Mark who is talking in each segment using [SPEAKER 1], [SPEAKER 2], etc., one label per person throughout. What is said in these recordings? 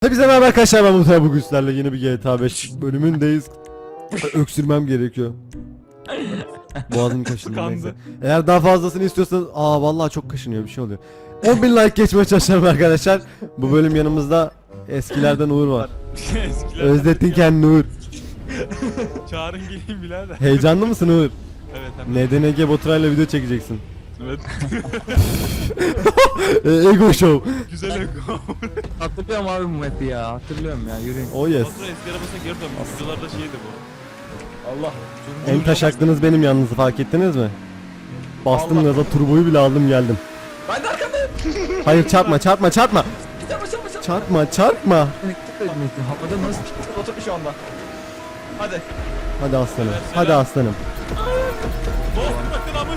[SPEAKER 1] Hepinize merhaba arkadaşlar, ben Mutlu. Bugün sizlerle yeni bir GTA 5 bölümündeyiz. Öksürmem gerekiyor. Boğazım kaşındı, neyse. Eğer daha fazlasını istiyorsanız, vallahi çok kaşınıyor, bir şey oluyor. 10.000 like geçmeye çalışalım arkadaşlar. Bu bölüm yanımızda eskilerden Uğur var. Özlettin kendini Uğur.
[SPEAKER 2] Çağırın geleyim birader.
[SPEAKER 1] Heyecanlı mısın Uğur?
[SPEAKER 2] Evet hem de.
[SPEAKER 1] NDNG Baturay'la video çekeceksin.
[SPEAKER 2] Evet.
[SPEAKER 1] Ego show.
[SPEAKER 2] Güzel eko.
[SPEAKER 3] Hatırlıyorum abi bu map'i ya. Hatırlıyorum ya. Yürüyün.
[SPEAKER 1] Oh yes.
[SPEAKER 2] Fatura eski arabasına geri dönmüş. Videolarda şeydi bu. Allah.
[SPEAKER 1] En taşaklınız benim yalnız, fark ettiniz mi? Bastım gaza, turboyu bile aldım geldim.
[SPEAKER 3] Ben de arkandayım.
[SPEAKER 1] Hayır, çarpma.
[SPEAKER 3] Çarpma.
[SPEAKER 1] Çarpma.
[SPEAKER 3] Havada nasıl oturmuş şu anda? Hadi.
[SPEAKER 1] Hadi aslanım.
[SPEAKER 2] Evet,
[SPEAKER 1] Hadi
[SPEAKER 2] selam.
[SPEAKER 1] aslanım.
[SPEAKER 2] Dostum bakın amı.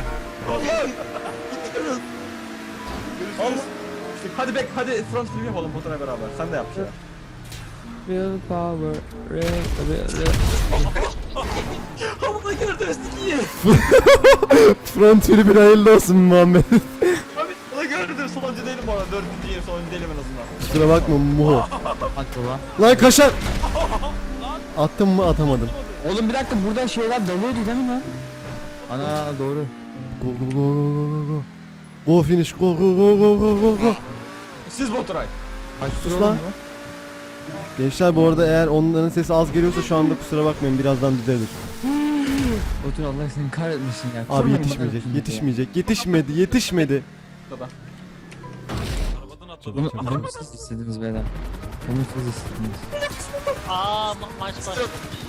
[SPEAKER 3] Hadi bek, hadi front flip yapalım fotoğrafla beraber. Sen de yap ya.
[SPEAKER 4] Real power, real.
[SPEAKER 3] Havada gördünüz iyi.
[SPEAKER 1] Front flip'in hayırlı olsun Muhammed.
[SPEAKER 3] Abi onu gördüm. Sonuncu değilim bu arada. Dördüncüyüm, sonuncu değilim en azından.
[SPEAKER 1] Kusura bakma Muho.
[SPEAKER 4] At baba.
[SPEAKER 1] Lan kaşar. Attım mı, atamadım.
[SPEAKER 4] Oğlum bir dakika, buradan şeyler dalıyordu değil mi lan? Ana doğru.
[SPEAKER 1] Go go go go go go. Go finish, go go go go go go go.
[SPEAKER 3] Siz Baturay.
[SPEAKER 4] Kaç
[SPEAKER 1] Sus
[SPEAKER 4] tur
[SPEAKER 1] lan.
[SPEAKER 4] oldu
[SPEAKER 1] Gençler, bu arada eğer onların sesi az geliyorsa şu anda kusura bakmayın, birazdan düzelir.
[SPEAKER 4] Otur, Allah seni kahretmesin ya.
[SPEAKER 1] Abi
[SPEAKER 4] Sormayın
[SPEAKER 1] yetişmeyecek,
[SPEAKER 4] bakalım
[SPEAKER 1] yetişmeyecek, yetişmedi.
[SPEAKER 3] Burada.
[SPEAKER 2] Arabadan
[SPEAKER 4] ya.
[SPEAKER 2] atladım.
[SPEAKER 4] Bunu siz istediniz beyler. Bunu siz istediniz.
[SPEAKER 5] Maç başladı.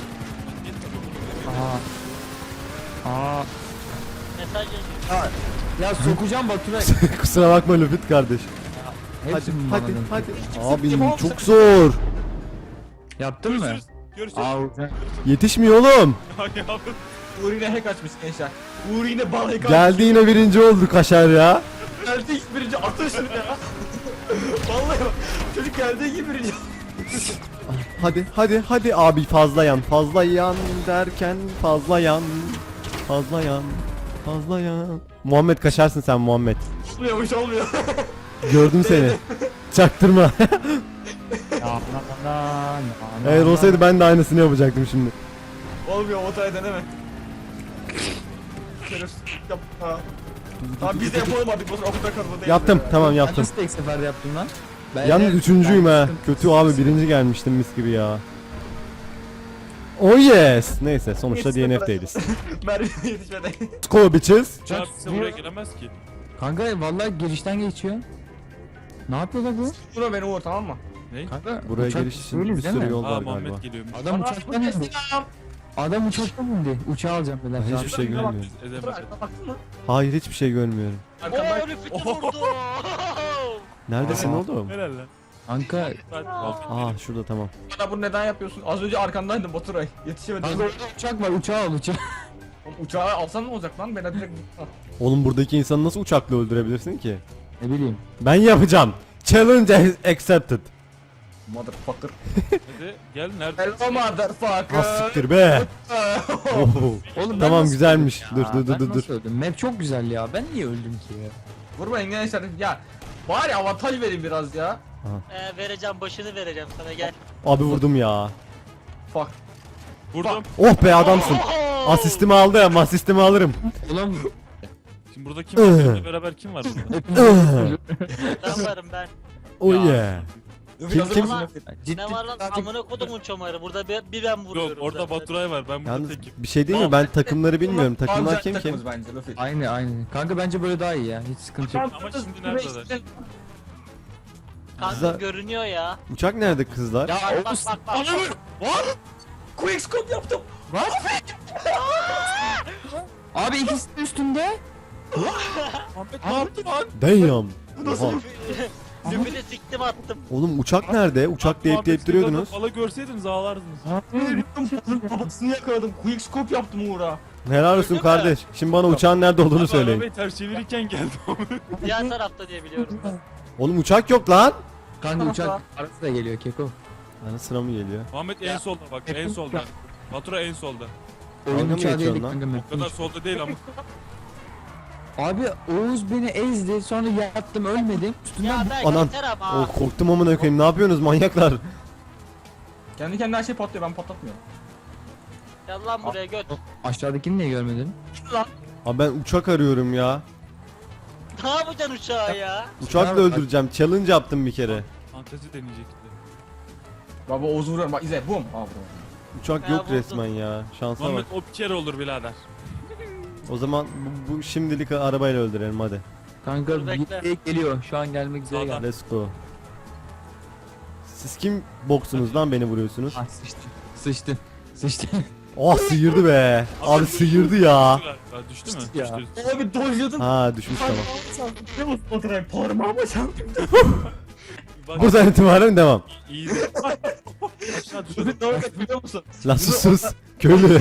[SPEAKER 4] Aa.
[SPEAKER 5] Mesaj yazıyor.
[SPEAKER 4] Ya sokacağım Baturay.
[SPEAKER 1] Kusura bakma Lüfit kardeş. Hadi
[SPEAKER 4] Hepsini
[SPEAKER 1] hadi
[SPEAKER 4] bağladım.
[SPEAKER 1] hadi. Abi çok zor.
[SPEAKER 4] Yaptın mı?
[SPEAKER 2] Görüşürüz. Görüşürüz.
[SPEAKER 4] Aa hocam.
[SPEAKER 1] Yetişmiyor oğlum.
[SPEAKER 2] Ay yavrum.
[SPEAKER 3] Uğur yine hack açmış gençler. Uğur yine bal hack açmış.
[SPEAKER 1] Geldi yine birinci oldu kaşar ya.
[SPEAKER 3] Geldi ilk birinci atın şunu ya. Vallahi bak. Çocuk geldiği gibi birinci.
[SPEAKER 1] Hadi abi, fazla yan derken fazla yan. Muhammed, kaşarsın sen Muhammed.
[SPEAKER 3] Olmuyormuş olmuyor.
[SPEAKER 1] Gördüm seni. Çaktırma.
[SPEAKER 4] Ya
[SPEAKER 1] Eğer olsaydı ben de aynısını yapacaktım şimdi.
[SPEAKER 3] Olmuyor Baturay deneme. Şerefsiz yap. Tamam biz de yapalım artık Baturay o kadar kazma değil.
[SPEAKER 1] Yaptım, tamam
[SPEAKER 4] Ben
[SPEAKER 1] yaptım.
[SPEAKER 4] nasıl tek seferde yaptım lan? Ben
[SPEAKER 1] Yalnız
[SPEAKER 4] de-
[SPEAKER 1] üçüncüyüm
[SPEAKER 4] ben
[SPEAKER 1] ha.
[SPEAKER 4] sıkıntı-
[SPEAKER 1] Kötü abi, birinci gelmiştim mis gibi ya. Oh yes. Neyse, sonuçta DNF değiliz.
[SPEAKER 3] Merve yetişmedi.
[SPEAKER 1] Let's go bitches.
[SPEAKER 2] Uçağı bize buraya gelemez ki.
[SPEAKER 4] Kanka vallahi girişten geçiyor. Ne yapıyorlar bu?
[SPEAKER 3] Şuna beni Uğur tamam mı?
[SPEAKER 2] Ne?
[SPEAKER 4] Kanka
[SPEAKER 1] Buraya
[SPEAKER 4] uçak
[SPEAKER 1] giriş için
[SPEAKER 4] böyle
[SPEAKER 1] bir
[SPEAKER 4] değil
[SPEAKER 1] sürü
[SPEAKER 4] mi?
[SPEAKER 1] yol
[SPEAKER 2] Aa
[SPEAKER 1] var galiba.
[SPEAKER 2] Muhammed geliyormuş.
[SPEAKER 4] Adam uçaktan indi. Adam uçaktan indi. Uçağı alacağım beyler.
[SPEAKER 1] Ben hiçbir şey görmüyorum.
[SPEAKER 2] Edemez.
[SPEAKER 3] Baktın mı?
[SPEAKER 1] Hayır, hiçbir şey görmüyorum.
[SPEAKER 3] Arkamdan
[SPEAKER 5] Ooo Lüfit'i vurdu.
[SPEAKER 1] Neredesin
[SPEAKER 4] Aa.
[SPEAKER 1] oğlum?
[SPEAKER 2] Helal lan.
[SPEAKER 4] Kanka
[SPEAKER 1] Şurada, tamam.
[SPEAKER 3] bana bunu neden yapıyorsun? Az önce arkandaydım Baturay. Yetişemedim.
[SPEAKER 4] kanka orada uçak var, uçağı al uçağı.
[SPEAKER 3] Oğlum uçağı alsan ne olacak lan? Ben direkt
[SPEAKER 1] Oğlum, buradaki insanı nasıl uçakla öldürebilirsin ki?
[SPEAKER 4] Ne bileyim.
[SPEAKER 1] Ben yapacağım. Challenge accepted.
[SPEAKER 3] Motherfucker.
[SPEAKER 2] Hadi gel nerede?
[SPEAKER 3] Hello motherfucker.
[SPEAKER 1] Ha siktir be. Oho.
[SPEAKER 4] Oğlum ben
[SPEAKER 1] Tamam,
[SPEAKER 4] nasıl
[SPEAKER 1] güzelmiş.
[SPEAKER 4] öldüm ya?
[SPEAKER 1] Dur.
[SPEAKER 4] Ben nasıl öldüm? Map çok güzel ya. Ben niye öldüm ki ya?
[SPEAKER 3] Vurmayın gençler. Ya bari avantaj vereyim biraz ya.
[SPEAKER 5] Vereceğim başını vereceğim sana gel.
[SPEAKER 1] Abi vurdum ya.
[SPEAKER 3] Fuck.
[SPEAKER 2] Vurdum.
[SPEAKER 1] Oh be, adamsın. Asistimi aldım, asistimi alırım.
[SPEAKER 4] Ulan
[SPEAKER 2] Şimdi burada kim var? Benimle beraber kim var burada?
[SPEAKER 5] Ben varım ben.
[SPEAKER 1] Oh yeah. Kim?
[SPEAKER 4] ciddi.
[SPEAKER 5] Ne var lan amına kodumun çomarı. Burada bir ben vuruyorum.
[SPEAKER 2] Yok orada
[SPEAKER 5] zaten.
[SPEAKER 2] Baturay var. Ben burada
[SPEAKER 1] Yalnız
[SPEAKER 2] tekim.
[SPEAKER 1] bir şey değil mi? Ben takımları bilmiyorum. Takımlar kim?
[SPEAKER 3] Bence Luffy.
[SPEAKER 4] Aynı. Kanka bence böyle daha iyi ya. Hiç sıkıntı yok.
[SPEAKER 2] Ama şimdi neredeler?
[SPEAKER 5] Kanka
[SPEAKER 1] Güzel.
[SPEAKER 5] görünüyor ya.
[SPEAKER 1] Uçak nerede kızlar?
[SPEAKER 4] Ya
[SPEAKER 5] Bak.
[SPEAKER 3] What? Quickscope yaptım.
[SPEAKER 4] Abi ikisi de üstünde.
[SPEAKER 2] Muhammed ne yaptın lan?
[SPEAKER 1] Damn. Oha.
[SPEAKER 5] Lüfit'i siktim attım.
[SPEAKER 1] Oğlum, uçak nerede? Uçak deyip duruyordunuz.
[SPEAKER 2] Valla görseydiniz ağlardınız.
[SPEAKER 3] Babasını yakaladım. Quickscope yaptım Uğur'a.
[SPEAKER 1] Helal olsun kardeş. Şimdi bana uçağın nerede olduğunu
[SPEAKER 2] Abi
[SPEAKER 1] söyleyin.
[SPEAKER 2] arabayı ters çevirirken geldi ama.
[SPEAKER 5] Diğer tarafta diye biliyorum ben.
[SPEAKER 1] Oğlum, uçak yok lan.
[SPEAKER 4] Kanka uçak arası da geliyor Keko.
[SPEAKER 1] Bana sıra mı geliyor?
[SPEAKER 2] Muhammed en solda bak en solda. Baturay en solda.
[SPEAKER 4] Oyun
[SPEAKER 1] Dalga mı
[SPEAKER 4] uçağı
[SPEAKER 1] geçiyorsun
[SPEAKER 4] değil
[SPEAKER 1] lan?
[SPEAKER 4] kanka.
[SPEAKER 2] O kadar solda değil ama.
[SPEAKER 4] Abi Oğuz beni ezdi sonra yattım ölmedim. Üstünden
[SPEAKER 5] Ya ben
[SPEAKER 1] Anan.
[SPEAKER 5] yeter ama.
[SPEAKER 1] Oh, korktum amına koyayım. Ne yapıyorsunuz manyaklar?
[SPEAKER 3] Kendi kendine her şey patlıyor, ben patlatmıyorum.
[SPEAKER 5] Gel lan buraya göt.
[SPEAKER 4] aşağıdakini niye görmedin?
[SPEAKER 1] Abi ben uçak arıyorum ya.
[SPEAKER 5] Ne yapacaksın uçağı ya?
[SPEAKER 1] Uçakla öldüreceğim. Challenge yaptım bir kere.
[SPEAKER 2] Fantezi deneyecekti.
[SPEAKER 3] Baba Oğuz'u vuruyorum bak izle bum. Aa vurdum.
[SPEAKER 1] Uçak
[SPEAKER 5] Ya
[SPEAKER 1] yok
[SPEAKER 5] buldum.
[SPEAKER 1] resmen ya. Şansa bak.
[SPEAKER 2] Muhammed o bir kere olur birader.
[SPEAKER 1] O zaman bu şimdilik arabayla öldürelim hadi.
[SPEAKER 4] Kanka
[SPEAKER 5] Dur, bekle.
[SPEAKER 4] bir geliyor. Şu an gelmek üzere
[SPEAKER 2] Sağdan.
[SPEAKER 4] geldi.
[SPEAKER 1] Let's go. Siz kim boksunuz lan beni vuruyorsunuz?
[SPEAKER 4] Ah sıçtı. Sıçtı. Sıçtı.
[SPEAKER 1] Oh sıyırdı be. Abi sıyırdı ya.
[SPEAKER 2] Ya, düştü mü?
[SPEAKER 4] Ya.
[SPEAKER 2] Düştü.
[SPEAKER 3] Abi dojladım.
[SPEAKER 1] Ha düşmüş tamam.
[SPEAKER 3] Ne mutlu fotoğraf parmağıma çarptım.
[SPEAKER 2] Bak,
[SPEAKER 1] Buradan itibaren devam.
[SPEAKER 2] iyi de. Aşağı düşürdüm.
[SPEAKER 3] Ne oldu biliyor musun?
[SPEAKER 1] Lan sus. Köylü.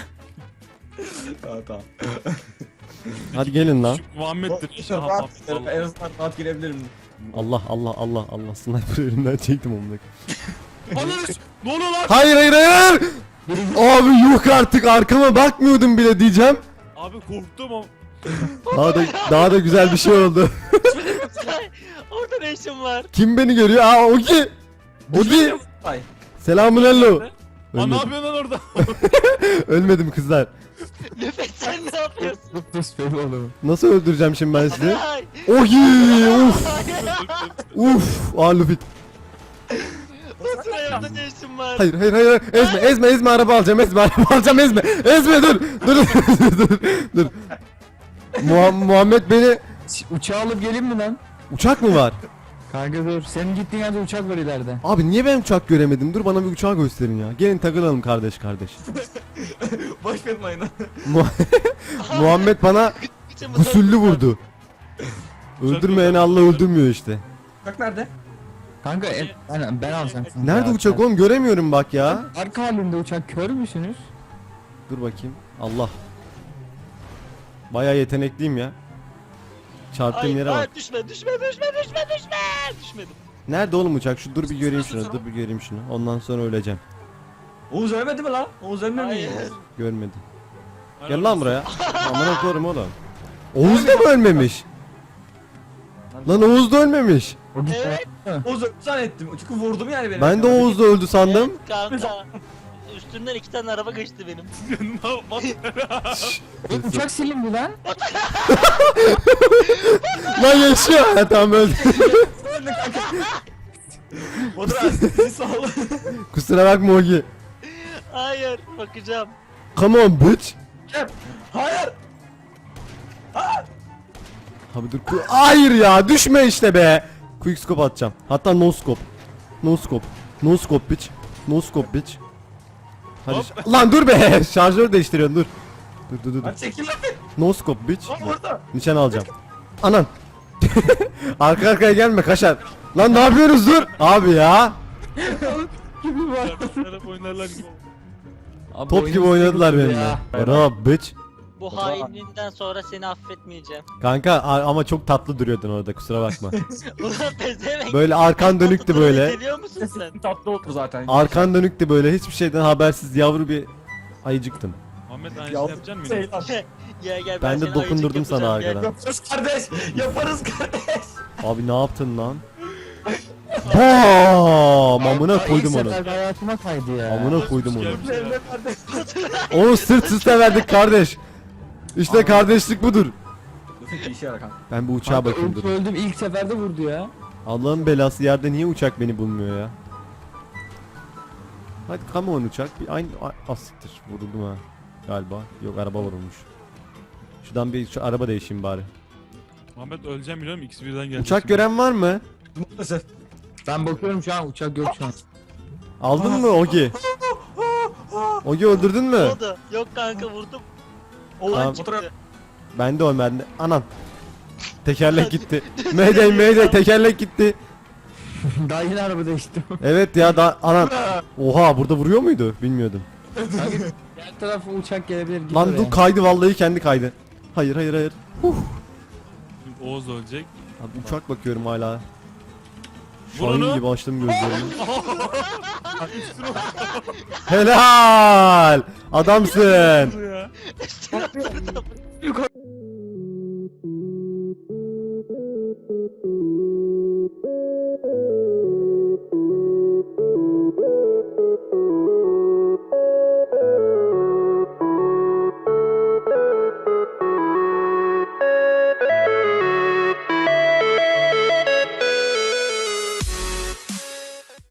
[SPEAKER 3] Tamam.
[SPEAKER 1] Hadi gelin lan.
[SPEAKER 2] Şu Muhammed'dir inşallah.
[SPEAKER 3] Rahat, en
[SPEAKER 2] Vallahi.
[SPEAKER 3] azından rahat girebilirim.
[SPEAKER 1] Allah Allah Allah Allah. Sniper elimden çektim onu.
[SPEAKER 2] Ananı s- Ne oluyor lan?
[SPEAKER 1] Hayır hayır hayır. Abi yok artık arkama bakmıyordum bile diyeceğim.
[SPEAKER 2] Abi korktum ama.
[SPEAKER 1] Daha da güzel bir şey oldu.
[SPEAKER 5] Orada ne işin var?
[SPEAKER 1] Kim beni görüyor? Aa Ogi. Ogi.
[SPEAKER 3] Ay.
[SPEAKER 1] Selamun hello.
[SPEAKER 2] Aa ne
[SPEAKER 1] Ölmedim.
[SPEAKER 2] yapıyorsun lan orada?
[SPEAKER 1] Ölmedim kızlar.
[SPEAKER 5] Nefes sen ne yapıyorsun?
[SPEAKER 4] Sus benim oğlum.
[SPEAKER 1] Nasıl öldüreceğim şimdi ben sizi?
[SPEAKER 5] Ay.
[SPEAKER 1] Ogi. Uf. Uf. Aa Luffy.
[SPEAKER 5] Oturayımda ne işin var?
[SPEAKER 1] Hayır hayır hayır. Ezme araba alacağım araba alacağım ezme. Ezme dur. Muhammed beni
[SPEAKER 4] Uçağı alıp geleyim mi lan?
[SPEAKER 1] uçak mı var?
[SPEAKER 4] Kanka dur. Senin gittiğin yerde uçak var ileride.
[SPEAKER 1] Abi niye ben uçak göremedim? Dur bana bir uçağı gösterin ya. Gelin takılalım kardeş.
[SPEAKER 3] Boş verin ayını.
[SPEAKER 1] Muhammed bana gusüllü vurdu. Öldürmeyen Allah öldürmüyor işte.
[SPEAKER 3] Bak nerede?
[SPEAKER 4] Kanka ben alacağım. şimdi
[SPEAKER 1] Nerede
[SPEAKER 4] ya.
[SPEAKER 1] uçak oğlum göremiyorum bak ya.
[SPEAKER 4] Arka halinde uçak kör müsünüz?
[SPEAKER 1] Dur bakayım. Allah. Bayağı yetenekliyim ya. Çarptığım yere bak.
[SPEAKER 5] Düşme. Düşmedim.
[SPEAKER 1] Nerede oğlum uçak? Dur bir göreyim şunu. Dur bir göreyim şunu. Ondan sonra öleceğim.
[SPEAKER 3] Oğuz ölmedi mi lan? Oğuz ölmedi mi?
[SPEAKER 5] Hayır.
[SPEAKER 1] Görmedi. Gel lan buraya. Amına koyarım oğlum. Oğuz da mı ölmemiş? Lan Oğuz da ölmemiş.
[SPEAKER 4] O gitti.
[SPEAKER 5] Evet.
[SPEAKER 3] Oğuz öldü zannettim. Çünkü vurdum yani beni.
[SPEAKER 1] Ben de Oğuz da öldü sandım.
[SPEAKER 5] Kanka. Üstümden 2 tane araba geçti benim.
[SPEAKER 4] Oğlum uçak silindi lan.
[SPEAKER 1] Lan yaşıyor. Ha tamam öldü.
[SPEAKER 3] Fotoğraf sizi sağ ol.
[SPEAKER 1] Kusura bakma Ogi.
[SPEAKER 5] Hayır, bakacağım.
[SPEAKER 1] Come on bitch.
[SPEAKER 3] Hayır.
[SPEAKER 1] Abi dur. Hayır ya düşme işte be. Quick scope atacağım. Hatta no scope. No scope. No scope bitch. No scope bitch. Hadi. Lan dur be. Şarjörü değiştiriyorsun dur. Dur.
[SPEAKER 3] Hadi çekil lan.
[SPEAKER 1] No scope bitch.
[SPEAKER 3] Lan burada.
[SPEAKER 1] Nişan alacağım. Anan. Arka arkaya gelme kaşar. Lan ne yapıyoruz dur. Abi ya.
[SPEAKER 4] Gibi var.
[SPEAKER 2] Taraf oynarlar gibi.
[SPEAKER 4] Abi
[SPEAKER 1] Top gibi
[SPEAKER 4] oyunun
[SPEAKER 1] oynadılar
[SPEAKER 4] sıkıntısı
[SPEAKER 1] benimle.
[SPEAKER 4] ya.
[SPEAKER 1] Bra bitch.
[SPEAKER 5] Bu hainliğinden sonra seni affetmeyeceğim.
[SPEAKER 1] Kanka ama çok tatlı duruyordun orada kusura bakma.
[SPEAKER 5] Ulan pezevenk.
[SPEAKER 1] Böyle arkan dönüktü böyle.
[SPEAKER 5] Geliyor musun sen?
[SPEAKER 3] Tatlı oldu zaten.
[SPEAKER 1] Arkan dönüktü böyle hiçbir şeyden habersiz yavru bir ayıcıktın.
[SPEAKER 2] Muhammed aynısını yapacak mısın?
[SPEAKER 3] Şey lan.
[SPEAKER 5] Gel
[SPEAKER 1] Ben de
[SPEAKER 5] seni
[SPEAKER 1] dokundurdum
[SPEAKER 5] ayıcık
[SPEAKER 1] sana
[SPEAKER 5] yapacağım, gel.
[SPEAKER 1] arkadan.
[SPEAKER 3] Yaparız kardeş. Yaparız kardeş.
[SPEAKER 1] Abi ne yaptın lan? Bam! Amına
[SPEAKER 4] Ay,
[SPEAKER 1] koydum
[SPEAKER 4] ilk
[SPEAKER 1] onu.
[SPEAKER 4] seferde hayatıma kaydı ya.
[SPEAKER 1] Amına koydum onu.
[SPEAKER 2] Gelmiş ya.
[SPEAKER 3] Evde kardeş.
[SPEAKER 1] Onu sırt üste verdik kardeş. İşte kardeşlik budur.
[SPEAKER 3] Lütfen işe yarar kanka.
[SPEAKER 1] Ben bu uçağa
[SPEAKER 4] Kanka
[SPEAKER 1] bakayım
[SPEAKER 4] öldüm,
[SPEAKER 1] dur.
[SPEAKER 4] öldüm ilk seferde vurdu ya.
[SPEAKER 1] Allah'ın belası yerde niye uçak beni bulmuyor ya? Hadi come on uçak. Bir aynı asittir. Vuruldum ha. Galiba. Yok araba vurulmuş. Şuradan bir şu araba değişeyim bari.
[SPEAKER 2] Muhammed öleceğim biliyorum ikisi birden geldi.
[SPEAKER 1] Uçak gören var mı?
[SPEAKER 3] Maalesef.
[SPEAKER 4] Ben bakıyorum şu an uçak yok şu an.
[SPEAKER 1] Aldın mı Ogi? Ogi öldürdün
[SPEAKER 5] Ne
[SPEAKER 1] mü?
[SPEAKER 5] oldu? Yok kanka vurdum.
[SPEAKER 3] Oğuz
[SPEAKER 1] Tamam.
[SPEAKER 3] fotoğraf.
[SPEAKER 1] Ben de o ben de. Anam. Tekerlek gitti. Mayday tekerlek gitti.
[SPEAKER 4] Daha yeni araba değiştim.
[SPEAKER 1] Evet ya da anam. Oha burada vuruyor muydu? Bilmiyordum.
[SPEAKER 4] Diğer tarafa uçak gelebilir. git
[SPEAKER 1] Lan
[SPEAKER 4] oraya.
[SPEAKER 1] dur kaydı vallahi kendi kaydı. Hayır.
[SPEAKER 2] Şimdi Oğuz ölecek.
[SPEAKER 1] Abi uçak bakıyorum hala.
[SPEAKER 2] Vur
[SPEAKER 1] Şahin
[SPEAKER 2] onu.
[SPEAKER 1] gibi açtım gözlerimi. Helal! Adamsın.
[SPEAKER 2] Ya.